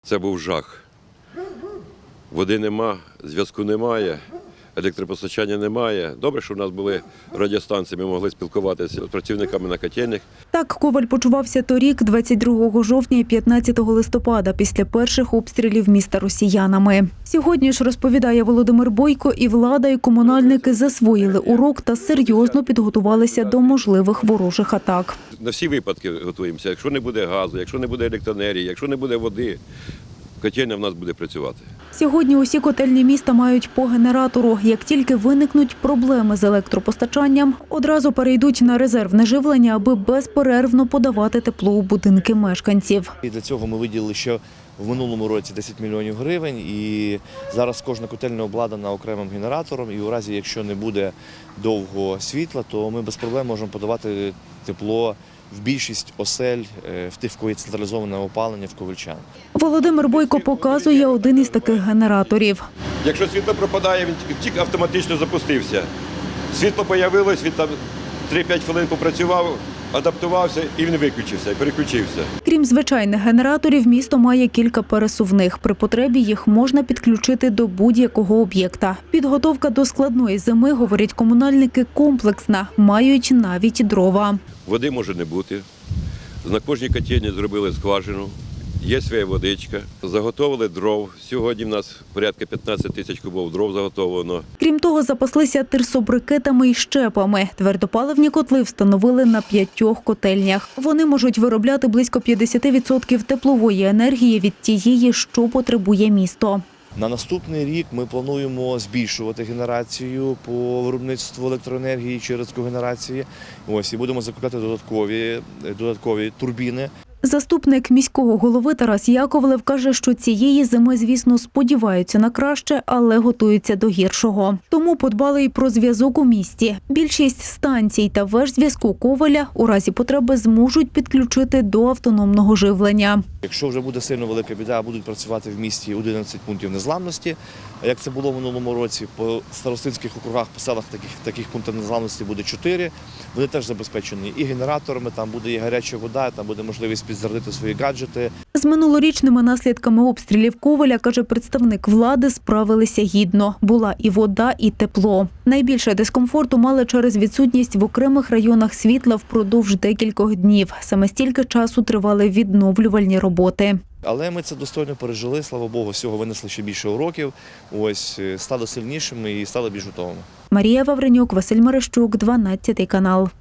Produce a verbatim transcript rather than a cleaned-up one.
Це був жах. Води нема, зв'язку немає, електропостачання немає. Добре, що в нас були радіостанції, ми могли спілкуватися з працівниками на котельнях. Так Коваль почувався торік, двадцять другого жовтня і п'ятнадцятого листопада, після перших обстрілів міста росіянами. Сьогодні ж, розповідає Володимир Бойко, і влада, і комунальники засвоїли урок та серйозно підготувалися до можливих ворожих атак. На всі випадки готуємося. Якщо не буде газу, якщо не буде електроенергії, якщо не буде води, котельня в нас буде працювати. Сьогодні усі котельні міста мають по генератору. Як тільки виникнуть проблеми з електропостачанням, одразу перейдуть на резервне живлення, аби безперервно подавати тепло у будинки мешканців. І для цього ми виділили ще в минулому році десять мільйонів гривень, і зараз кожна котельня обладнана окремим генератором, і у разі, якщо не буде довго світла, то ми без проблем можемо подавати тепло в більшість осель, в тих, в кого є централізоване опалення, в ковальчан. Володимир Бойко показує один із таких генераторів. Якщо світло пропадає, він тільки автоматично запустився. Світло з'явилось, він там три-п'ять хвилин попрацював, адаптувався і він виключився, переключився. Крім звичайних генераторів, місто має кілька пересувних. При потребі їх можна підключити до будь-якого об'єкта. Підготовка до складної зими, говорять комунальники, комплексна. Мають навіть дрова. Води може не бути. На кожній котельні зробили скважину. Є своя водичка. Заготовили дров. Сьогодні в нас порядка п'ятнадцять тисяч кубів дров заготовлено. Крім того, запаслися тирсобрикетами і щепами. Твердопаливні котли встановили на п'ятьох котельнях. Вони можуть виробляти близько п'ятдесят відсотків теплової енергії від тієї, що потребує місто. На наступний рік ми плануємо збільшувати генерацію по виробництву електроенергії через когенерації. Ось, і будемо закупляти додаткові, додаткові турбіни. Заступник міського голови Тарас Яковлев каже, що цієї зими, звісно, сподіваються на краще, але готуються до гіршого. Тому подбали і про зв'язок у місті. Більшість станцій та веж зв'язку Коваля у разі потреби зможуть підключити до автономного живлення. Якщо вже буде сильно велика біда, будуть працювати в місті одинадцять пунктів незламності. А як це було в минулому році, по старостинських округах, по селах таких, таких пунктів незламності буде чотири. Вони теж забезпечені і генераторами, там буде і гаряча вода, там буде можливість підзарядити свої гаджети. З минулорічними наслідками обстрілів Коваля, каже представник влади, справилися гідно. Була і вода, і тепло. Найбільше дискомфорту мали через відсутність в окремих районах світла впродовж декількох днів. Саме стільки часу тривали відновлювальні роботи. Але ми це достойно пережили, слава Богу, всього винесли ще більше уроків, ось, стали сильнішими і стали більш готовими. Марія Вавренюк, Василь Мерещук, дванадцятий канал.